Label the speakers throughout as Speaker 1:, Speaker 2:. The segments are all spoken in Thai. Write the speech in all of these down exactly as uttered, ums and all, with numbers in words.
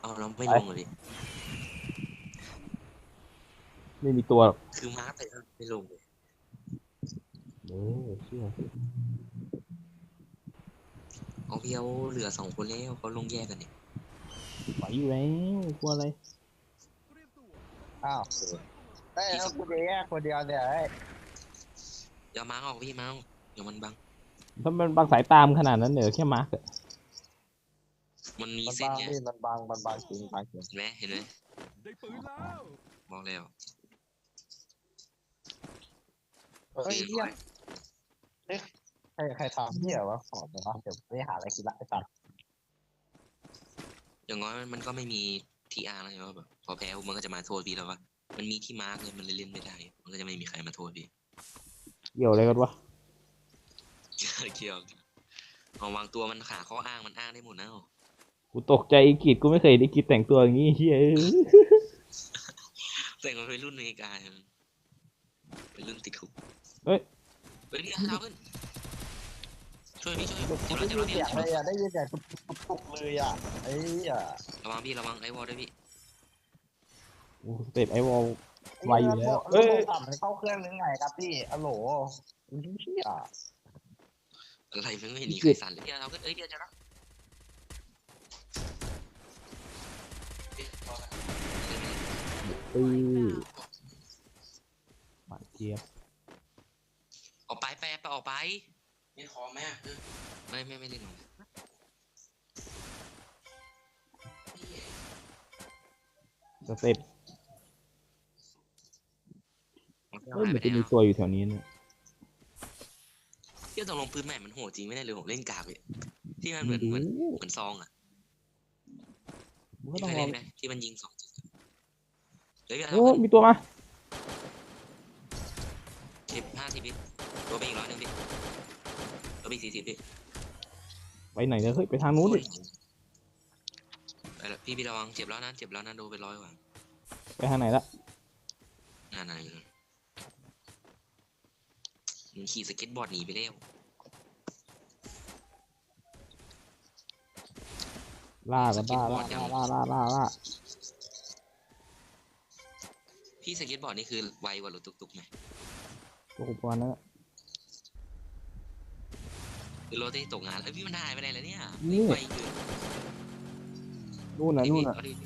Speaker 1: เอาเราไม่ลงเลย
Speaker 2: ไม่มีตัว
Speaker 1: คือมาร์คไปไม่ลงเลย
Speaker 2: เออเชื่อ
Speaker 1: เอาพี่เอาเหลือสองคนแล้วเขาลงแยกกันเนี่ย
Speaker 2: ไหวอยู่แล้วกลัวอะไร
Speaker 3: อ้าวเอ้ยเอากูจะแยกคนเดียวเนี่ยไอ้
Speaker 1: อย่ามาร์คออกพี่มาร์คเดี๋ยวมันบัง
Speaker 2: ถ้ามันบางสายตามขนาดนั้นเหนือแค่มาร์กอะ
Speaker 1: มันมี
Speaker 3: มัน
Speaker 1: เส้น
Speaker 3: บาง
Speaker 1: ไง
Speaker 3: พี่มันบางมันบางจริงบางจริง
Speaker 1: เห็นไหมเห็นไหม
Speaker 4: ได้ปืนแล้ว
Speaker 1: บอกแล้ว
Speaker 3: เฮ้ยเหี้ยเฮ้ยใครใครทำเหี้ยวะขอเดี๋ยวนะเดี๋ยวไปหาอะไรกินละไอ้สัตว์
Speaker 1: อย่างน้อยมันก็ไม่มีทีอาร์แล้วใช่ไหมแบบพอแพ้มันก็จะมาโทษพี่แล้วว่ามันมีที่มาร์กเลยมันเลยเล่นไม่ได้มันก็จะไม่มีใครมาโทษพี่
Speaker 2: เกี่ยวอะไรกันวะ
Speaker 1: เกี่ยวเอาวางตัวมันขาข้ออ้างมันอ้างได้หมดนะ
Speaker 2: กูตกใจอีกิจกูไม่เคยได้กิจแต่งตัวอย่างงี้เฮ้ย
Speaker 1: แต่งมันเป็นรุ่นอเมริกาเป็นรุ่นติดคุก
Speaker 2: เฮ้ย
Speaker 1: เฮ้ยพี่เอาขึ้นช่วยพี่ช่วย
Speaker 3: ได้
Speaker 1: เจ็บแล้ว
Speaker 3: ยิ
Speaker 1: เจ็บ
Speaker 3: น
Speaker 1: แล้ว
Speaker 3: เสี
Speaker 1: เจ็บแล้ว
Speaker 3: ยงเลยอ่ะได้ยินเสียงตุ๊บตุ๊บตุ๊บเลยอ่ะไอ้อ่ะ
Speaker 1: ระวังพี่ระวังไอ้วอลด้วยพี่
Speaker 2: โอ้สเต็ปไอวอลไวอยู่แล้ว
Speaker 3: เอ้
Speaker 2: เอ้
Speaker 3: ย
Speaker 2: ย
Speaker 3: ต่ำเข้าเครื่องนึงไงครับพี่อะโหลเหี้ย
Speaker 1: อะไรมันไม่เห็นมีใครสั่นเลยพี่เอาขึ้นเอ้ยเดี๋ยวจะรับ
Speaker 2: ตีหวานเจี๊ยบ
Speaker 1: ออกไปแปรไปออกไปไม่คอแม่ไม่ไม่ไม่เล่นหรอก
Speaker 2: สเต็ปเฮ้ยมันจะมีตัวอยู่แถวนี้เนี่ย
Speaker 1: เที่ยวตกลงปืนใหม่มันโหดจริงไม่ได้เลยผมเล่นกากเลยที่มันเหมือนเหมือนเหมือนซองอ่ะ
Speaker 2: มันก็
Speaker 1: ที่
Speaker 2: ต้อง
Speaker 1: เคย
Speaker 2: รอ
Speaker 1: เล่นไหมที่มันยิงสองจุดเฮ้ย
Speaker 2: โอ้มีตัวมา
Speaker 1: สิบห้าสิบพี่ตัวไปอีกร้อยหนึ่งพี่ตัวไปสี่สิบพี่
Speaker 2: ไปไหนเนี่ยเฮ้ยไปทางนู้นดิ
Speaker 1: ไปแล้วพี่พี่ระวังเจ็บแล้วนะเจ็บแล้วนะโดนไปร้อยกว่า
Speaker 2: ไปทางไหนละ
Speaker 1: งานอะไรเลยมันขี่สเก็ตบอร์ดหนีไปแล้ว
Speaker 2: ล่ากันล่าล่าล่าล่าล่าล่า
Speaker 1: พี่สเก็ตบอร์ดนี่คือไวกว่ารถตุกๆไหม
Speaker 2: ตัวอุปกรณ์นั้น
Speaker 1: คือรถที่ตกงานแล้วพี่มันหายไปไหนแล้วเนี่ย
Speaker 2: นี่
Speaker 1: ไวเกิน
Speaker 2: นู่นน่ะนู่นน่ะ
Speaker 1: เอาดิ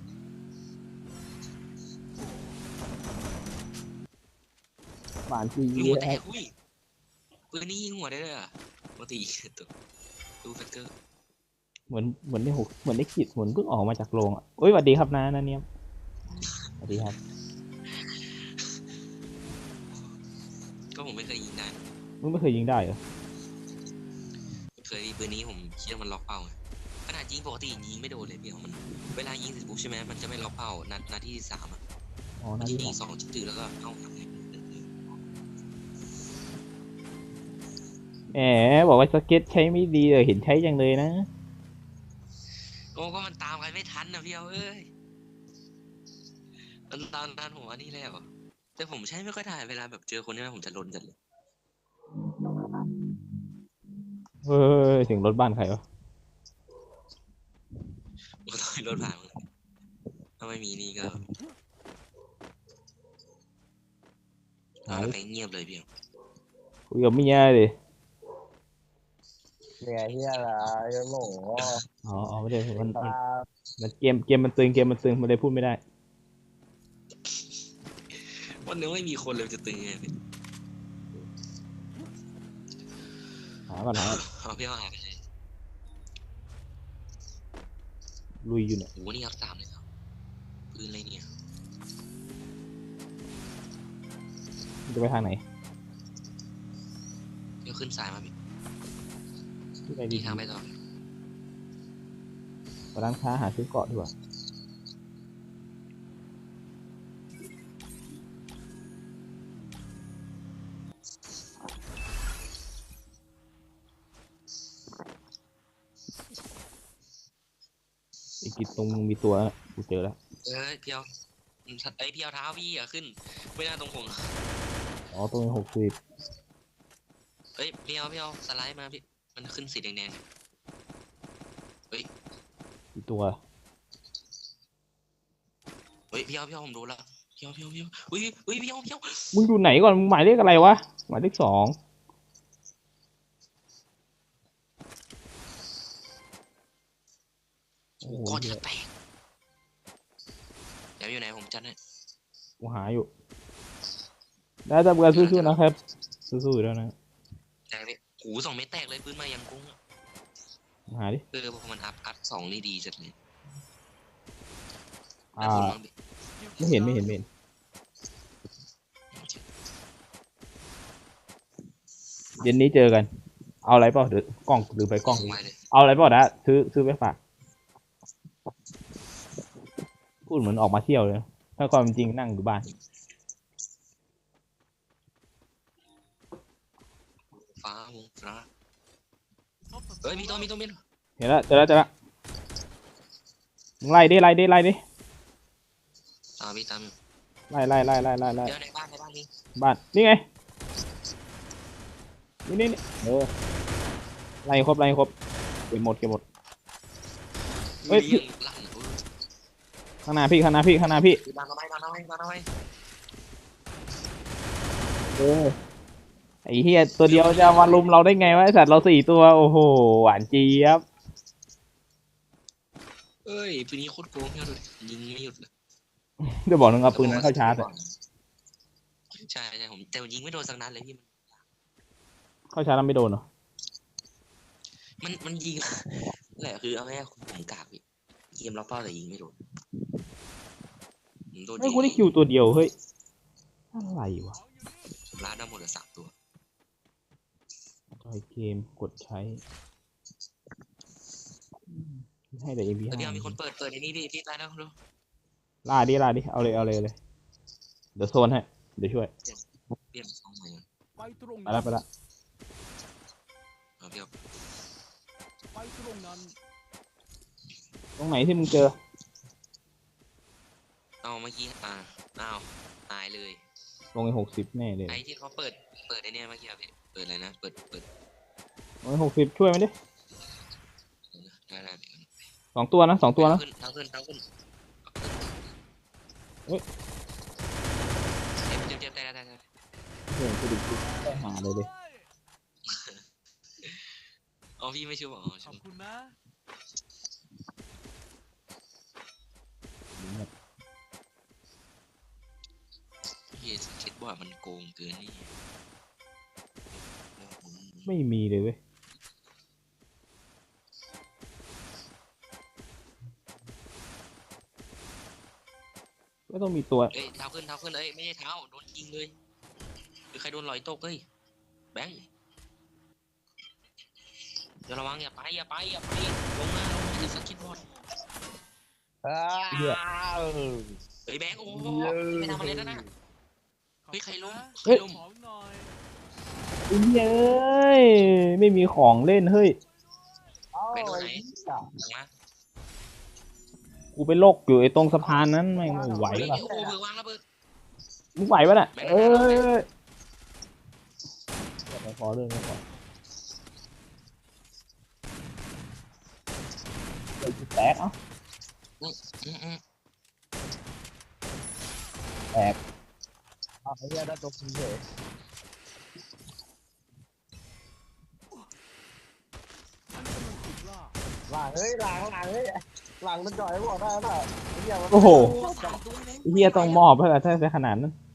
Speaker 2: หวานจี
Speaker 1: ยิงหัวแตกอุ้ยปืนนี้ยิงหัวได้เลยอ่ะปกติตัวดูแฟกเตอร์
Speaker 2: เหมือนเหมือนได้หกเหมือนได้ขีดเหมือนเพิ่งออกมาจากโรงอ่ะโอ้ยสวัสดีครับนะนะเนี่ยสวัสดีครับ
Speaker 1: ก็ผมไม่เคยยิงได้
Speaker 2: มึงไม่เคยยิงได้เหรอ
Speaker 1: เคยปืนนี้ผมคิดว่ามันล็อกเป้าไงขนาดยิงปกติยิงไม่โดนเลยพี่มันเวลายิงเสร็จปุ๊บใช่ไหมมันจะไม่ล็อกเป้านัดนัดที่สามอ่ะ
Speaker 2: อ๋อ
Speaker 1: นั
Speaker 2: นา
Speaker 1: ด
Speaker 2: ที
Speaker 1: ที่
Speaker 2: สอง
Speaker 1: สองจุดแล้วก็เข้าหนักเลย
Speaker 2: แหมบอกว่าสเก็ตใช้ไม่ดีเลยเห็นใช้จังเลยนะ
Speaker 1: โอ้ก็มันตามใครไม่ทันนะพี่เอาเอ้ยตอนตอนตอนผมอันนี้แล้วแต่ผมใช้ไม่ค่อยได้เวลาแบบเจอคนนี้ผมจะลนจัดเลย
Speaker 2: เฮ้ยถึงรถบ้านใครวะ
Speaker 1: ก็ต้องรถผ่านมึงถ้าไม่มีนี่ก็เอาไปเงียบเลยพี่
Speaker 2: คุยกับเมียดิ
Speaker 3: เนี่ยเหี้ยอะไรอะโหล
Speaker 2: อ๋ออ๋อไม่ได้มัน
Speaker 3: ตา
Speaker 2: มันมันเกมเกมมันตึงเกมมันตึงมันเลยพูดไม่ได้
Speaker 1: วันนึงไม่มีคนเลยจะตึงไงพี่
Speaker 2: หาก่อนหาก่อน
Speaker 1: เอาพี่เอาหายไปเลย
Speaker 2: ลุยอยู่เนี่ย
Speaker 1: โหนี่ครับสามเลยครับปืนอะไรเนี่ย
Speaker 2: จะไปทางไหน
Speaker 1: เดี๋ยวขึ้นสายมาพี่
Speaker 2: ที่ไหน
Speaker 1: ดี
Speaker 2: ดี
Speaker 1: ทางไปต่อ
Speaker 2: ไปร้านค้าหาซื้อเกาะดีกว่าไอ้กิจตรงมีตัวแล้วกูเจอแล้ว
Speaker 1: เอ้ยพี่เอาไอ้ยพี่เอาเท้าพี่อย่าขึ้นไม่น่าตรงผม
Speaker 2: อ๋อตรงหกสิบ
Speaker 1: เฮ้ยพี่เอาพี่เอาสไลด์มาพี่มันขึ้นสีแดงๆเฮ้ย
Speaker 2: กี่ตัว
Speaker 1: เฮ้ยพี่เอาพี่เอาผมโดนละพี่เอาพี่เอาพี่เอาเฮ้ยเฮ้ยพี่เอาพี่เอา
Speaker 2: มึงอยู่ไหนก่อนมึงหมายเลขอะไรวะหมายเลขสอง
Speaker 1: โอ้โหก้อนจะแตกเดี๋ยวอยู่ไหนผมจัดให้
Speaker 2: กูหาอยู่ได้ทำการสู้ๆนะครับสู้ๆอยู่แล้วนะ
Speaker 1: แต่เนี่ยหูสองเม็ดแตกเลยปืนมายังกุ้งอะ
Speaker 2: หาดิ
Speaker 1: เออพอมันอัพอัพสองนี่ดีจัดเลย
Speaker 2: อ่า
Speaker 1: แล้วคุณบ้างดิ
Speaker 2: ไม่เห็นไม่เห็นไม่เห็นเย็นนี้เจอกัน เอาอะไรเปล่าเดี๋ยวกล้องหรือไปกล้อง
Speaker 1: ไปเลย
Speaker 2: เอาอะไรเปล่านะซื้อซื้อไปฝากพูดเหมือนออกมาเที่ยวเลยนะถ้าความเป็นจริงนั่งอยู่บ้าน
Speaker 1: ฟ้าวงฟ้าเฮ้ยมีตัวมีตัวมีตัว
Speaker 2: เห็นแล้วเจอแล้วเจอแล้วมึงไล่ดิไล่ดิไล่ดิ
Speaker 1: ตามพี่ตาม
Speaker 2: ไล่ไล่ไล่ไล่ไล่ไล่
Speaker 1: เดี๋ยวในบ้านในบ้านนี้
Speaker 2: บ้านนี่ไงนี่นี่นี่เออไล่ครบไล่ครบเก็บหมดเก็บหมด เฮ้ย
Speaker 1: ลี้งหลังเออ
Speaker 2: ข้างหน้าพี่ข้างหน้าพี่ข้างหน้าพี่
Speaker 1: ดันเอาไว้ดันเอาไว้ดันเอาไว้
Speaker 2: เออไอ้เฮียตัวเดียวจะมาลุมเราได้ไงวะไอสัตว์เราสี่ตัวโอ้โหหวานเจี๊ยบ
Speaker 1: เอ้ยปืนนี้โคตรโกงเนี่ยดูดิยิงไม่หยุดเลย
Speaker 2: เดี๋ยวบอกนึงเอาปืนนั้นเข้าชาร์จอะ
Speaker 1: ใช่ใช่ผมแต่ยิงไม่โดนสักนัดเลยพี่
Speaker 2: เข้าชาร์จแล้วไม่โดนเหรอ
Speaker 1: มันมันยิง แหละคือเอาง่ายๆผมกากพี่เกมล็อกเป้าแต่ยิงไม่โดนผมโดน
Speaker 2: เฮ้ย
Speaker 1: ยิง
Speaker 2: กูได้คิวตัวเดียวเฮ้ยอะไรวะ
Speaker 1: ผมลาดได้หมดเลยสามตัว
Speaker 2: จอยเกมกดใช้ให้แต่ เอ็ม พี
Speaker 1: แล้ว
Speaker 2: ห้า
Speaker 1: เดี๋ยวมีคนเปิดเปิดในนี้พี่พี่ตายแล้วดู
Speaker 2: ล่าดิล่าดิเอาเลยเอาเลยเอาเลยเดี๋ยวโซนให้เดี๋ยวช่วย
Speaker 1: เปลี่ยนสองใหม่ก่อน
Speaker 4: ไปตรง
Speaker 2: ไป
Speaker 4: นั้น
Speaker 2: ละไปละ
Speaker 1: เอาพี่เอา
Speaker 4: ไปตรงนั้น
Speaker 2: ตรงไหนที่มึงเจอ
Speaker 1: เอาเมื่อกี้อ่าอ้าวตายเลย
Speaker 2: ลงไอ้หกสิบแน่เลย
Speaker 1: ไอ้ที่เขาเปิดเปิดไอ้เนี่ยเมื่อกี้อะพี่เปิดอะไรนะเปิดเปิด
Speaker 2: ลงไอ้หกสิบช่วยมันดิ
Speaker 1: ได้ได้พี่
Speaker 2: สองตัวนะสองตัวนะ
Speaker 1: ขึ้นเท้าขึ้นเท้าขึ้น
Speaker 2: เฮ้ย
Speaker 1: เจ็บเจ็บเจ็บได้ได้ได้ได้
Speaker 2: เฮ้ยกูดิกูได้หาเลยดิ
Speaker 1: อ๋อพี่ไม่ช่วยบอกอ๋อ
Speaker 4: ข
Speaker 1: ช่
Speaker 4: อ
Speaker 1: ว
Speaker 4: บ
Speaker 1: ย
Speaker 4: คุณนะ
Speaker 1: พี่คิดว่ามันโกงเกินนี่
Speaker 2: ไม่มีเลยเว้ยก็ต้องมีตัว
Speaker 1: เอ้ยเท้าขึ้นเท้าขึ้นเอ้ยไม่ใช่เท้าโดนยิงเลยหรือใครโดนลอยตกเอ้ยแบงค์เดี๋ยวระวังอย่าไปอย่าไปอย่าไปลงมาลงมาอย่าสกิดบอล
Speaker 3: อ้าว
Speaker 1: เฮ้ยแบงค์โอ้โหไม่ทำอะไรแล้วนะเฮ้ยใครล้มใคร
Speaker 2: เฮ้ย
Speaker 1: ล้ม
Speaker 4: ของหน่อย
Speaker 2: ไอ้เหี้ยเอ้ยไม่มีของเล่นเฮ้ย
Speaker 3: เอ้า
Speaker 1: ไปโดน
Speaker 3: ไอ้
Speaker 1: ไหน
Speaker 3: เหี้ย
Speaker 1: หลังมา
Speaker 2: กูไปโลกอยู่ไอ้ตรงสะพานนั้นไม่งไหว
Speaker 1: เฮ้ย
Speaker 2: ปะ
Speaker 1: โอ้โหเบิกวางระเบิด
Speaker 2: มึงไหวปะน่ะ
Speaker 1: ไม่ได้
Speaker 2: เอ้
Speaker 1: ไม่ได้
Speaker 2: ยไม่ขอเรื่องไม่ขอเดี๋ยวกูแตกเอ้า
Speaker 1: อืมอืม
Speaker 2: แตก
Speaker 3: อ้าวไอ้เหี้ยได้ตัวคุณเฉย
Speaker 4: ฉันกำลังถูกล่า
Speaker 3: หลังเฮ้ยหลังหลังเฮ้ยหลังมันจ่อยบอกได้ป่ะไอ้เหี้ยมัน
Speaker 2: โอ้โห
Speaker 1: โอ้สามตัวเลย
Speaker 2: ไอ้เฮียต้องมอบให้กับถ้าจะขนาดนั้น
Speaker 4: ข